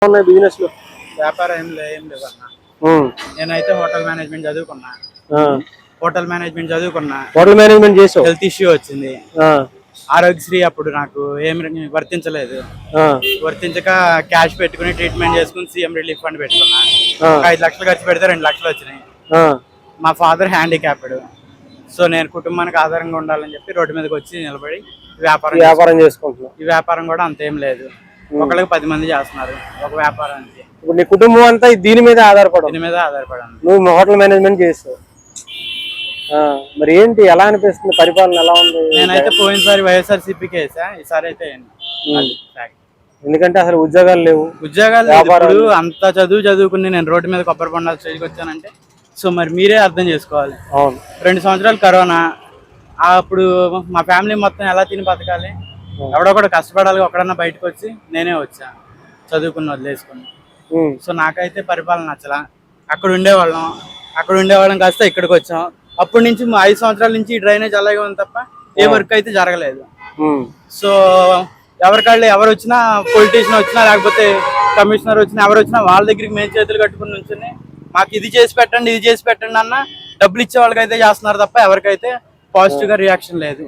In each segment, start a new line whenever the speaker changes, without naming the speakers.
ఉన్నాయి బిజినెస్ లో?
వ్యాపారం ఏం లేవన్నా. నేనైతే హోటల్ మేనేజ్మెంట్ చదువుకున్నా. హోటల్ మేనేజ్మెంట్
చేసావు,
హెల్త్ ఇష్యూ వచ్చింది. ఆరోగ్యశ్రీ అప్పుడు నాకు ఏమి వర్తించలేదు. వర్తించక క్యాష్ పెట్టుకుని ట్రీట్మెంట్ చేసుకుని సీఎం రిలీఫ్ ఫండ్ పెట్టుకున్నా. 5 లక్షలు ఖర్చు పెడితే 2 లక్షలు వచ్చినాయి. మా ఫాదర్ హ్యాండిక్యాప్డ్. సో నేను కుటుంబానికి ఆధారంగా ఉండాలని చెప్పి రోడ్డు మీదకి వచ్చి నిలబడి వ్యాపారం చేసుకుంటున్నాను. ఈ వ్యాపారం కూడా అంతేం లేదు, ఒకళ్ళకి 10 మంది చేస్తున్నారు ఒక వ్యాపారానికి.
ఇప్పుడు నీ కుటుంబం అంతా దీని మీద ఆధారపడాలి. నువ్వు హోటల్ మేనేజ్మెంట్ చేస్తావు. మరి ఏంటి, ఎలా అనిపిస్తుంది, పరిపాలన ఎలా ఉంది?
నేనైతే పోయినసారి వైఎస్ఆర్సీపీకి వేసా, ఈసారి అయితే
ఎందుకంటే అసలు ఉద్యోగాలు లేవు.
ఉద్యోగాలు అంత చదువుకుని నేను రోడ్డు మీద కొబ్బరి బొండాలు స్టేజ్కి వచ్చానంటే సో మరి మీరే అర్థం చేసుకోవాలి. 2 సంవత్సరాలు కరోనా, అప్పుడు మా ఫ్యామిలీ మొత్తం ఎలా తిని బతకాలి, ఎవడొకడు కష్టపడాలి. ఒకడన్నా బయటకు వచ్చి నేనే వచ్చా చదువుకుని వదిలేసుకుని. సో నాకైతే పరిపాలన నచ్చలా. అక్కడ ఉండేవాళ్ళం కాస్త ఇక్కడికి వచ్చాం. అప్పటి నుంచి 5 సంవత్సరాల నుంచి డ్రైనేజ్ అలాగే ఉంది తప్ప ఏ వర్క్ అయితే జరగలేదు. సో ఎవరికాళ్ళు ఎవరు వచ్చినా, పొలిటీషియన్ వచ్చినా లేకపోతే కమిషనర్ వచ్చినా ఎవరు వచ్చినా వాళ్ళ దగ్గరికి మేము చేతులు కట్టుకుని నుంచుని మాకు ఇది చేసి పెట్టండి అన్న డబ్బులు ఇచ్చే వాళ్ళకైతే చేస్తున్నారు తప్ప ఎవరికైతే పాజిటివ్ గా రియాక్షన్ లేదు.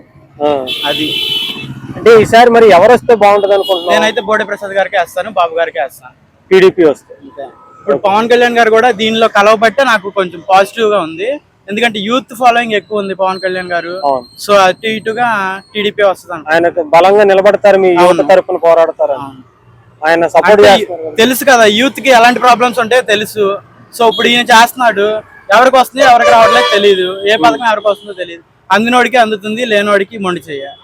అది
అంటే ఈసారి మరి ఎవరు వస్తే బాగుంటది అనుకుంటున్నాను?
నేనైతే బోడే ప్రసాద్ గారికి వేస్తాను, బాబు గారికి వేస్తాను.
టీడీపీ వస్తే
ఇప్పుడు పవన్ కళ్యాణ్ గారు కూడా దీనిలో కలవబట్టే నాకు కొంచెం పాజిటివ్ గా ఉంది. ఎందుకంటే యూత్ ఫాలోయింగ్ ఎక్కువ ఉంది పవన్ కళ్యాణ్ గారు. సో అటు ఇటుగా టీడీపీ వస్తుంది.
ఆయనకు బలంగా నిలబడతారు, మీ యువత తరపున పోరాడతారు, ఆయన సపోర్ట్ చేస్తారు.
తెలుసు కదా యూత్ కి ఎలాంటి ప్రాబ్లమ్స్ ఉంటాయో తెలుసు. సో ఇప్పుడు ఈయన చేస్తున్నాడు, ఎవరికి వస్తుంది ఎవరికి రావట్లేదు తెలియదు, ఏ పథకం ఎవరికి వస్తుందో తెలియదు. అందినోడికి అందుతుంది, లేనోడికి మొండి చెయ్యాలి.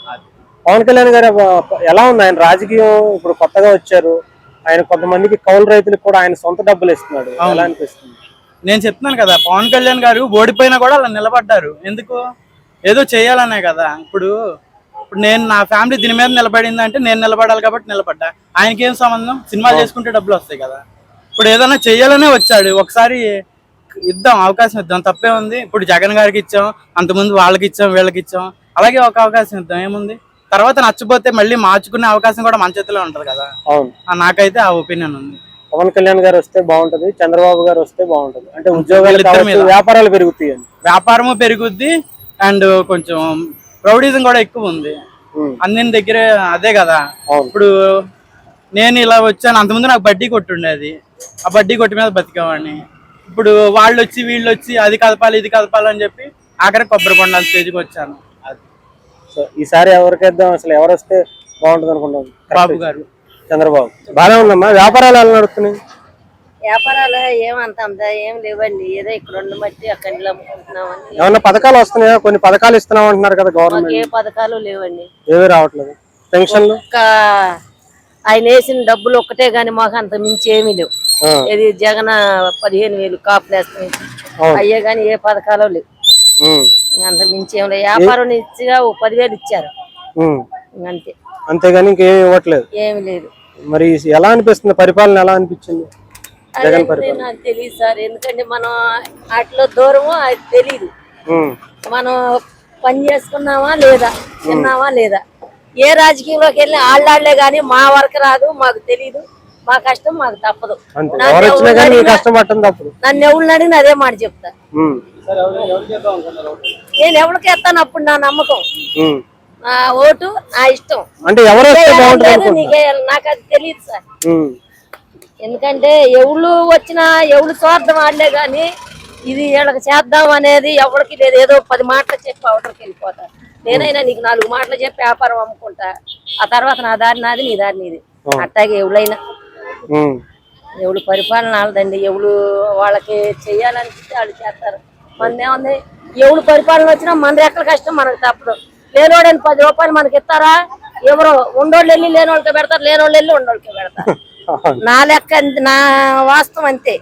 పవన్ కళ్యాణ్ గారు ఎలా ఉంది ఆయన రాజకీయం? ఇప్పుడు కొత్తగా వచ్చారు ఆయన, కొంతమందికి కౌలు రైతులకు కూడా ఆయన సొంత డబ్బులు ఇస్తున్నాడు, ఎలా అనిపిస్తుంది?
నేను చెప్తున్నాను కదా, పవన్ కళ్యాణ్ గారు ఓడిపోయినా కూడా అలా నిలబడ్డారు. ఎందుకు? ఏదో చేయాలనే కదా. ఇప్పుడు నేను నా ఫ్యామిలీ దీని మీద నిలబడింది అంటే నేను నిలబడాలి కాబట్టి నిలబడ్డా. ఆయనకేం సంబంధం? సినిమాలు చేసుకుంటే డబ్బులు వస్తాయి కదా. ఇప్పుడు ఏదైనా చెయ్యాలనే వచ్చాడు, ఒకసారి ఇద్దాం, అవకాశం ఇద్దాం, తప్పే ఉంది. ఇప్పుడు జగన్ గారికి ఇచ్చాం, అంతకుముందు వాళ్ళకి ఇచ్చాం, వీళ్ళకి ఇచ్చాం, అలాగే ఒక అవకాశం ఇద్దాం, ఏముంది. తర్వాత నచ్చపోతే మళ్ళీ మార్చుకునే అవకాశం కూడా మన చేతిలో ఉంటది కదా. నాకైతే ఆ ఒపీనియన్ ఉంది.
పవన్ కళ్యాణ్ గారు వస్తే బాగుంటది, చంద్రబాబు గారు వస్తే బాగుంటది. అంటే ఉద్యోగాలు, వ్యాపారాలు పెరుగుతాయి, వ్యాపారము
పెరుగుద్ది, అండ్ కొంచెం ప్రౌడిజం కూడా ఎక్కువ ఉంది అన్ని దగ్గరే. అదే కదా, ఇప్పుడు నేను ఇలా వచ్చాను, అంతకుముందు నాకు బడ్డీ కొట్టుండేది, ఆ బడ్డీ కొట్టి మీద బతికేవాడిని. ఇప్పుడు వాళ్ళు వచ్చి వీళ్ళు వచ్చి అది కదపాలి ఇది కదపాలి అని చెప్పి ఆఖరికి కొబ్బరి బొండాల స్టేజ్కి వచ్చాను.
సో ఈసారి ఎవరికేద్దాం, అసలు ఎవరు వస్తే బాగుంటుంది అనుకుంటాం?
బాబు గారు,
చంద్రబాబు. బాగానే ఉందమ్మా, వ్యాపారాలు ఎలా నడుస్తున్నాయి?
వ్యాపారాలు ఏమంత ఏం లేవండి, ఏదో ఇక్కడ మట్టి అక్కడ అమ్ముకుంటున్నామని.
ఏమన్నా పథకాలు వస్తున్నాయా? కొన్ని పథకాలు ఇస్తున్నాం అంటున్నారు కదా గవర్నమెంట్.
ఏ పథకాలు లేవండి,
ఏమీ రావట్లేదు. పెన్షన్లు
ఆయన వేసిన డబ్బులు ఒక్కటే గాని మాకు అంత మించి ఏమీ లేవు. ఇది జగన్ 15,000 కాపులు వేస్తాయి, అయ్యే గాని ఏ పథకాలు లేవు. అంత మించి ఏం లేదు. వ్యాపారం ఇచ్చిగా 10,000 ఇచ్చారు అంతే,
అంతేగాని ఇంకేమి ఇవ్వట్లేదు,
ఏమి లేదు.
మరి ఎలా అనిపిస్తుంది పరిపాలన? ఎలా అనిపించింది జగన్ పరిపాలన?
నాకు తెలియదు సార్, ఎందుకంటే మనం అట్లా దూరము అది తెలీదు. మనం పని చేసుకున్నామా లేదా, తిన్నామా లేదా, ఏ రాజకీయంలోకి వెళ్ళి ఆళ్ళే గాని మా వరకు రాదు, మాకు తెలీదు. మా కష్టం మాకు తప్పదు. నన్ను ఎవరిని అడిగిన అదే మాట చెప్తా. నేను ఎవరికి ఎత్తాను అప్పుడు నా నమ్మకం, నా ఓటు నా ఇష్టం.
అంటే
నాకు అది తెలియదు సార్. ఎందుకంటే ఎవరు వచ్చినా ఎవరు స్వార్థం ఆడలే గాని ఇది వీళ్ళకి చేద్దాం అనేది ఎవరికి లేదు. ఏదో 10 మాటలు చెప్పి అవతలకి వెళ్ళిపోతారు. నేనైనా నీకు 4 మాటలు చెప్పి వ్యాపారం అమ్ముకుంటా, ఆ తర్వాత నా దారి నాది, నీ దారి నీది. అట్టాగే ఎవరైనా ఎవరు పరిపాలన ఆడదండి. ఎవరు వాళ్ళకి చెయ్యాలనిపిస్తే వాళ్ళు చేస్తారు. మనదేముంది, ఎవరు పరిపాలన వచ్చినా మన ఎక్కడ కష్టం మనకు తప్పదు. లేనోడని 10 రూపాయలు మనకి ఇస్తారా? ఎవరో ఉండోళ్ళు వెళ్ళి లేనోళ్ళకి పెడతారు, లేనోళ్ళు వెళ్ళి ఉండోళ్ళకి పెడతారు. నా లెక్క, నా వాస్తవం అంతే.